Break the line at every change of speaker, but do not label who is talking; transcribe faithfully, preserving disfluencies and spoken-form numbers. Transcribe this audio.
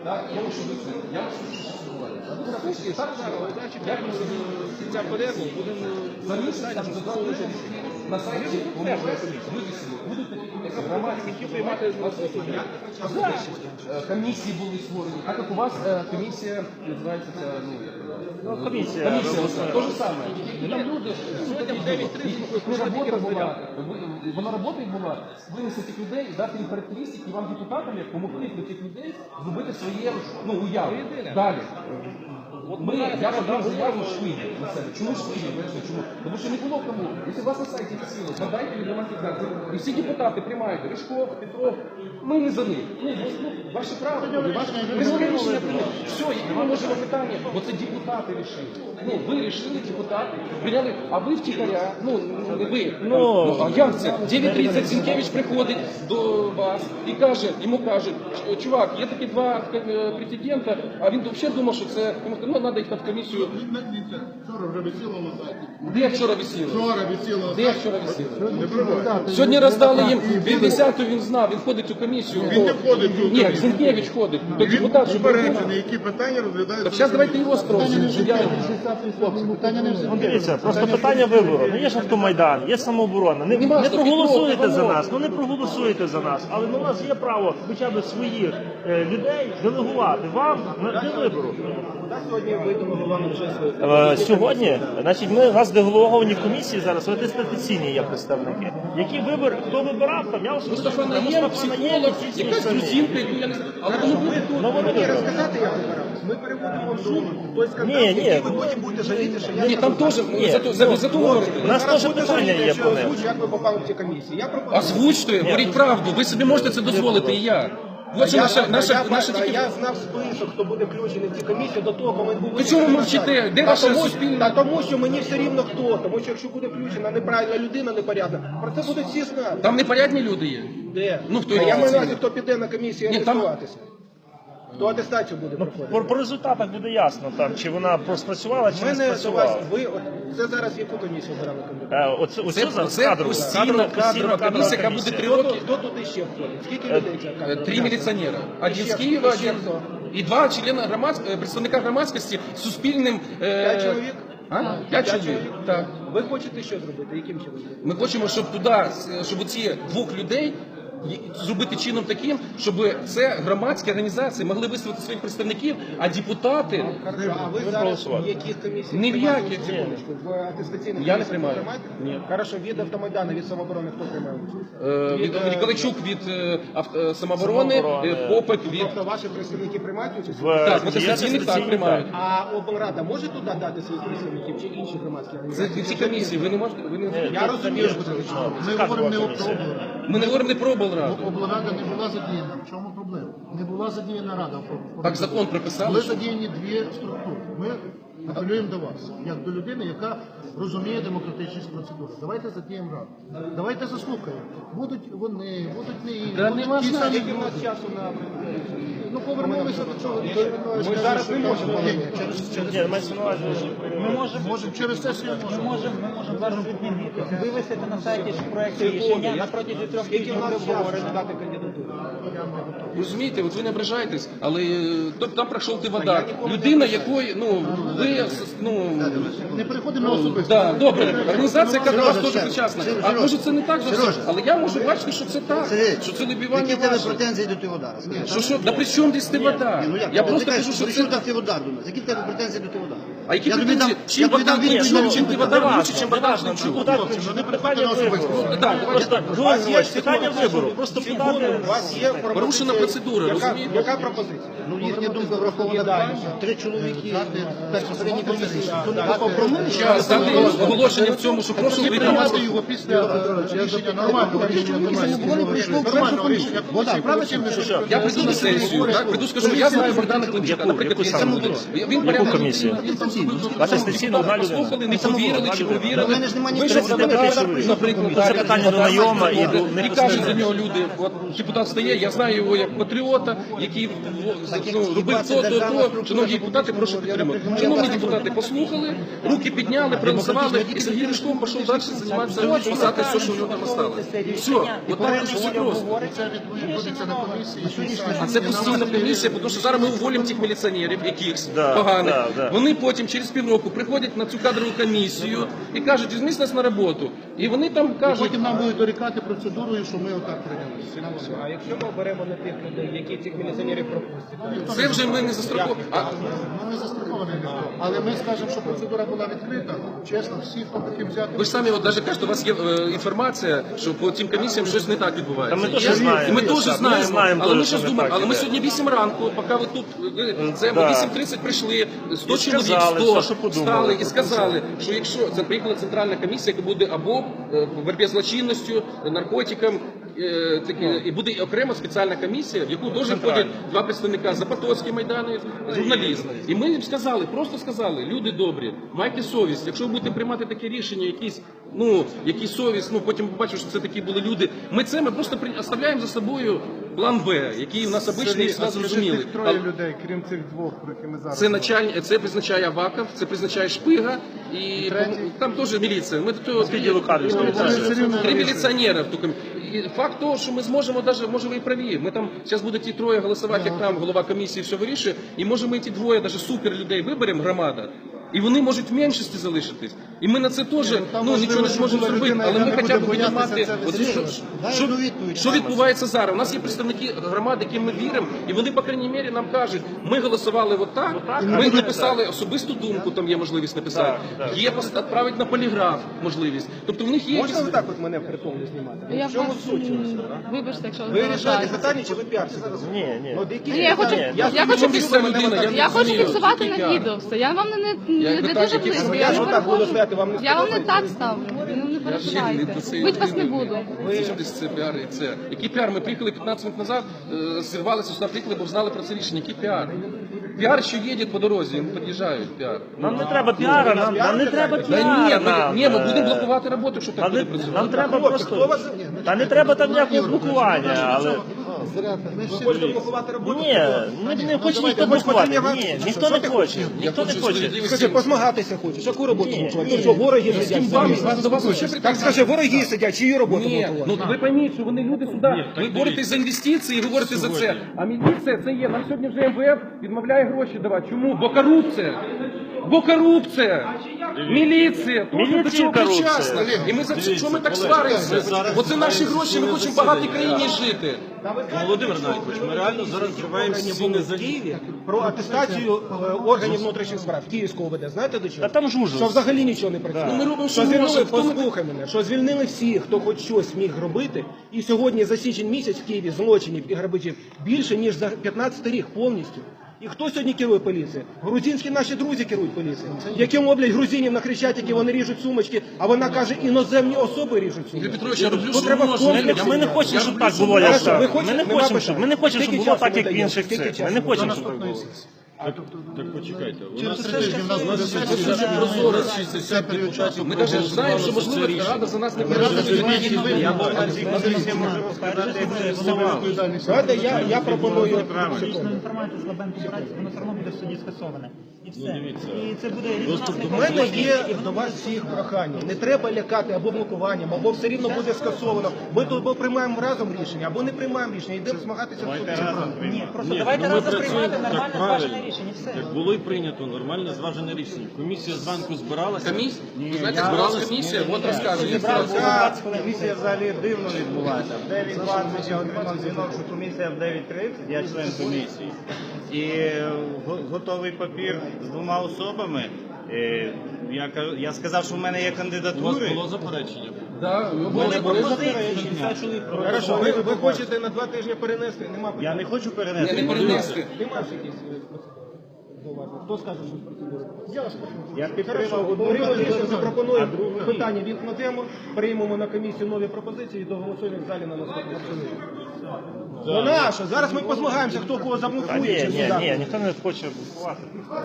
Так, я можу висити. Я можу висити. Так, як ми ця перерву будемо замість там додати на сайті, вивісили. Будуть такі громадські приймати комісії були створені. Так як у вас комісія називається, ну,
комісія.
Комісія, то же саме. І там люди, не робота була, вона робота була, винести цих людей, дати їм характеристики, і вам депутатам, як помогли для цих людей зробити своє, ну, уяву. Далі. Ми, я подав заяву швидко на себе. Чому швидко? Чому? Тому що не було кому. Якщо у вас на сайті висіло, надайте від громадських. І всі депутати приймають. Ришков, Петров, ми не за них. Ну, ну, ваше право, ваше рішення прийняли. Все, які ми можемо питання, бо це депутати рішили. Ну, ви рішили, депутати, прийняли, а ви втіхаря, ну, не ви. Ну, а як це? дев'ять тридцять Зінкевич приходить до вас і каже, йому кажуть, чувак, є такі два претендента, а він взагалі думав, що це, ну, треба їх під комісію.
Вчора вже висіло на сайті.
Де вчора висіло?
Вчора висіло на сайті.
Де вчора висіло? Сьогодні роздали їм, він десяту він знав, він ходить у комісію.
Він не входить у
Ні,
комісію.
Зінкевич ходить. То
Він
депутат, що
попереджений, які питання розглядають.
Так зараз давайте його спросимо.
Ну, дивіться, просто питання вибору. Ну є ж автомайдан, є самооборона. Не,
Нема,
не
що
проголосуєте
Петров,
за
Іванов.
нас, ну не проголосуєте за нас. Але ну, у нас є право хоча б своїх е, людей делегувати вам на- для вибору.
Сьогодні ви делегували вже свої.
Е, Сьогодні, значить, ми у нас делеговані в комісії зараз, атестаційні є представники. Які вибори, хто вибирав, там я особисто
Мустафа
Мустафа
Наєм,
Наєм,
психолог,
всі ці
якась
самі.
грузинка, яку я не знаю. Але вони були тут.
Ну, вони вибрали.
Розказати, як вибиралися? Ми переводимо в Zoom той скандал,
Ні, ні.
який ви потім будете жаліти, що я...
Ні, там теж,
Ні,
за то- за за то говорите.
У нас теж
Будете
питання
жаліти,
є
якщо
по
я
ним.
озвучу, як ви попали в ці комісії. Я пропоную...
Озвучте, говоріть правду. Ви собі можете це дозволити, і я. От що
Я,
наша,
я,
наша,
я,
наша
я,
тільки...
я знав список, хто буде включений в ці комісії до того, коли був...
Ви чого ви мовчите? Де
Та
ваша
тому,
суспільна-
Та тому, що мені все рівно хто. Тому що якщо буде включена неправильна людина, непорядна, про це будуть всі знати.
Там непорядні люди є.
Де?
Ну, хто
Та я
є
маю на
офіційно?
увазі, хто піде на комісію
Ні, там-
атестуватися. Хто атестацію буде проходити.
По, по результатах буде ясно, там, чи вона спрацювала, чи
У
не
мене до
спрацювала.
вас, ви, от, це зараз яку комісію обирали кандидата?
Е, Оце, оце
Це,
за
це
кадрову.
постійна,
Кадрову-
постійна
кадрову
комісія, яка
комісія.
буде три
Хто,
роки.
хто туди ще входить? Скільки людей ця
Е,
комісія?
Три міліціонера. Один з
ще-
Києва,
і ще
один,
хто?
і два члени громадської, представника громадськості з суспільним... е,
П'ять чоловік?
А? П'ять чоловік, так.
Ви хочете що зробити? Яким чином?
Ми хочемо, щоб туди, щоб ці двох людей зробити чином таким, щоб це громадські організації могли висловити своїх представників, а депутати
Хорошо, а ви зараз
проголосували.
в яких комісіях?
Ні в
приймаєте
яких.
участь? Секундочку, в атестаційних
Я не
комісіях
приймаю.
ви приймаєте?
Ні.
Хорошо, від автомайдану, від самооборони хто приймає участь?
е, від
е,
Ніколайчук від е, авто- самооборони,
Самооборони.
е, Попик від...
Тобто ваші представники приймають участь?
В
Так,
є
атестаційних так
атестаційні,
приймають.
А облрада може туди дати своїх представників чи інші громадські
Це
організації?
ці комісії, ви не можете... Ви не...
Я розумію, що це
Ми говоримо не про облраду.
Ми не говоримо не про облраду.
Облрада не була задіяна. В чому проблема? Не була задіяна рада. в-
Так закон прописали,
Були
що...
задіяні дві структури. Ми апелюємо до вас, як до людини, яка розуміє демократичність процедури. Давайте задіємо раду. Давайте заслухаємо. Будуть вони, будуть не інші.
Та
будуть
нема
ті
значення.
самі
Скільки в нас
люди.
часу на...
Ну повернулися до чого.
Ми зараз не можемо повернути.
Ні, мається на увазі, що
Ми можемо,
Можемо через сесію
ми
можемо.
можемо, ми можемо зараз відмінити. Вивести на сайті проект рішення на протязі трьох
Скільки
тижнів
в нас
буде
часу
обговорено.
дати кандидатуру?
Розумієте, от ви не ображаєтесь, але е, тобто там пройшов ти
я
вода.
ніколи не
Людина,
ображаюсь.
якої, ну, ви, ну,
Не переходимо на особисто.
да, добре, організація, яка до вас теж
Сережа,
причасна.
Сережа,
А може це не так зовсім,
Сережа.
але я можу бачити, що це так,
Сергій,
що це вибивання
які в тебе
ваших.
претензії до Тиводара?
Що, що, да при чому десь ти вода?
Ні, ну як?
Я
Ти
просто
кажеш,
кажу, що
при чому
це...
так Тиводар до нас? Які в тебе претензії до Тиводара?
А які
Я тобі
претензії?
дам-
Чим
я тобі
вода
дам відповідь
чим-
на
чим ти
питання.
вода
Неважно,
лучше, чим вода
неважно,
Гнатчук?
депутат,
Хлопці, не
питання
переходимо на
вибору.
особисто.
Так,
Просто Георгій Іванович, питання вибору. Просто
Секунду,
подати.
у вас є пропозиція.
Порушена процедура,
Яка-
розумієте?
Яка пропозиція?
Ну, їхня думка врахована правильно. Три чоловіки безпосередньо комісії. То не
Дати-
попромили,
Час, дати оголошення в цьому, що прошу
Тоді
ви
прийняти його після е, рішення нормального рішення. Нормального рішення нормального рішення комісії. Правда чи не
Що?
Я прийду на сесію, так, прийду, скажу, я знаю Богдана Климчука,
Яку-
наприклад,
яку
я
саме?
цьому- він
Яку
порядок-
комісію? Атестаційну, одна людина.
Послухали, не повірили чи
У
повірили.
мене ж немає ні
Вийшов
строків.
депутат,
Це
наприклад,
питання до найома і до
і кажуть за нього люди, от депутат стає, я знаю його як патріота, який ну, робив то, то, то. Шановні депутати, прошу підтримати. Шановні депутати, послухали, руки підняли, проголосували, і Сергій Ришков пішов далі займатися, писати все, що в нього там осталось. Все, от так дуже все просто.
Це відбудеться на комісії.
А це постійна комісія, тому що зараз ми уволимо тих міліціонерів, якихось
Да,
поганих.
да, да.
Вони потім через півроку приходять на цю кадрову комісію і кажуть, візьміть нас на роботу. І вони там кажуть,
Потім нам будуть дорікати процедурою, що ми отак прийняли.
А якщо ми оберемо не тих людей, які цих міліціонерів пропустять?
це вже ми не застраховуємо. А
Ми не застраховані ніхто. Але ми скажемо, що процедура була відкрита. Чесно, всі, хто хотів взяти.
ви ж самі от навіть кажете, у вас є е, інформація, що по цим комісіям щось не так відбувається.
Та ми теж
Є?
знаємо.
І ми теж
Ми
знаємо.
знаємо
Але ми
теж,
щось
що не
думаємо.
так
Але ми
іде.
сьогодні вісім ранку, поки ви тут, е, це ми
Да.
вісім тридцять прийшли, сто
І
чоловік,
сказали
сто
все, що подумали.
стали і сказали, що якщо це приїхала центральна комісія, яка буде або е, по боротьбі з злочинністю, наркотикам, е, такі, і буде окрема спеціальна комісія, в яку теж входять два представника Запотоцький Майдану, журналіст. І ми їм сказали, просто сказали, люди добрі, майте совість, якщо ви будете приймати таке рішення, якісь, ну, якісь совість, ну потім побачимо, що це такі були люди. Ми це ми просто при- оставляємо за собою план Б, який у нас обичний і всі зрозуміли.
Троє людей, крім цих двох, про які ми зараз.
Це начальник, це призначає Аваков, це призначає Шпига і там теж міліція. Ми до того
Відділу кадрів співпрацює.
три міліціонера в ту і факт того, що ми зможемо навіть, може ви і праві. Ми там зараз будуть ті троє голосувати, як там голова комісії все вирішує, і може ми ті двоє, навіть супер людей виберемо, громада. І вони можуть в меншості залишитись. І ми на це теж ну, нічого не зможемо зробити, але ми хоча б будемо мати. От, що, що, що відбувається зараз? У нас є представники громади, яким ми віримо, і вони, по крайній мірі, нам кажуть, ми голосували отак, ми написали особисту думку, там є можливість написати, є пост- відправити на поліграф можливість. Тобто в них є
Можна
якісь...
отак от мене в притул знімати?
Я
В чому
вас,
суть?
м, вибачте, якщо
Ви рішаєте
заважаєте.
питання, чи ви піарсите?
Ні, ні.
Ну, які-
Ні, я хочу,
Ні,
я,
я
хочу,
хочу ця людина, я не
я хочу
розумію,
фіксувати
який
на
піар.
відео все. Я вам не, не,
Я
не, не
питаю,
дуже
які
близько.
ви-
Я,
Я
не
ж отак буду
переходжу.
стояти, вам не
Я вам не
сподобається?
так ставлю. Ну, не переживайте.
Це є
Бить вас не
людина.
буду.
Ви що десь це піар і це? Який піар? Ми приїхали п'ятнадцять минут назад, е, зірвалися сюди, приїхали, бо знали про це рішення. Який піар? Піар, що їде по дорозі, вони під'їжджають, піар.
Нам не треба піара, нам, нам не треба
Та
піара.
ні, ми,
нам.
ні, ми будемо блокувати роботу, якщо так
Нам,
буде
не-
працювати.
нам треба просто. Та не треба там ніякого блокування, але.
Ви хочете блокувати роботу?
Ні, не, не хоче ніхто блокувати. Ні, ніхто не хоче. Ніхто не хоче.
Скажи, позмагатися хочеш, яку роботу блокувати? Ну що, вороги сидять?
Вам, вас до вас ще
Так скажи, вороги сидять, чию роботу
Ні,
блокувати?
ну ви пойміть, що вони люди сюди, ви боретесь за інвестиції, ви говорите за це. А міліція це є. Нам сьогодні вже М В Ф відмовляє гроші давати. Чому? Бо корупція. Бо корупція. Міліція. Теж до
Міліція
цього
корупція.
причасна. І ми за що ми так сваримося? Бо це наші гроші, ми хочемо в багатій країні жити.
Володимир Навікович, ми реально зараз вживаємо стіни за
Києві про атестацію е, органів внутрішніх справ Київського ОВД. Знаєте до чого?
Та там жужу.
Що взагалі нічого не працює.
Ну, ми робимо, що
що звільнили,
можемо. Хто ми-
послухай мене, що звільнили всіх, хто хоч щось міг робити. І сьогодні за січень місяць в Києві злочинів і грабежів більше, ніж за п'ятнадцятий рік повністю. І хто сьогодні керує поліцією? Грузинські наші друзі керують поліцією. Які мовлять грузинів на Хрещатикі, вони ріжуть сумочки, а вона каже, іноземні особи ріжуть
Юрій
сумочки.
Петрович, я роблю,
Ну,
що
треба
можна.
комплекс.
Ми не хочемо,
Я
щоб
роблю,
так
що
було, як
Хорошо,
так.
ви
Ми
хочете-
не
нема
хочемо, щоб ми не хочемо, щоб
Скільки
було
часу
так,
ви
як в
даєте?
інших
Скільки
цих. Ми
часу?
не хочемо, щоб так було.
Так почекайте. У
Через
нас
три тижні в нас буде
Це
сесія.
дуже прозоро, шістдесят депутатів. Ми навіть знаємо, що можливо Рада за нас не переживає.
Я відповідальність.
Давайте я, я пропоную.
Публічну інформацію з Лабенко брати, воно все одно буде в суді скасоване. І все. І це буде резонансний
У мене є до вас всіх прохання. Не треба лякати або блокуванням, або все рівно буде скасовано. Ми тут або приймаємо разом рішення, або не приймаємо рішення. Йдемо змагатися в суді.
Ні, просто
Ні,
давайте
ну, ми
разом
працюємо
приймати
так
нормально
правильно.
зважене рішення. Все.
Так було і прийнято нормальне зважене рішення. Комісія зранку збиралася.
Комісія? Ви знаєте, збиралась комісія, от розказує.
Комісія взагалі дивно відбувається. В дев'ять двадцять я отримав дзвінок, що комісія в дев'ять тридцять, я член комісії. І го- готовий папір з двома особами. Е, Я, кажу- я сказав, що в мене є
У вас
кандидатури.
було заперечення.
Да, ми були
Пропозиції.
Хорошо, ви, ви хочете на два тижні перенести? Нема
Я не хочу
не
перенести.
перенести.
Нема ж якісь е, зауваження? Хто скаже, що з процедури? Я вас прошу.
Я підтримав
Хорошо,
одну
Григорій
кандидатуру,
Олексійович
а
запропонує
другу ні.
питання відкладемо, приймемо на комісію нові пропозиції і доголосуємо в залі на наступному сесії. Ну нащо? Зараз ми позмагаємося, хто кого
Та
заблокує.
ні,
чи
ні,
сюди.
ні, ніхто не хоче блокувати.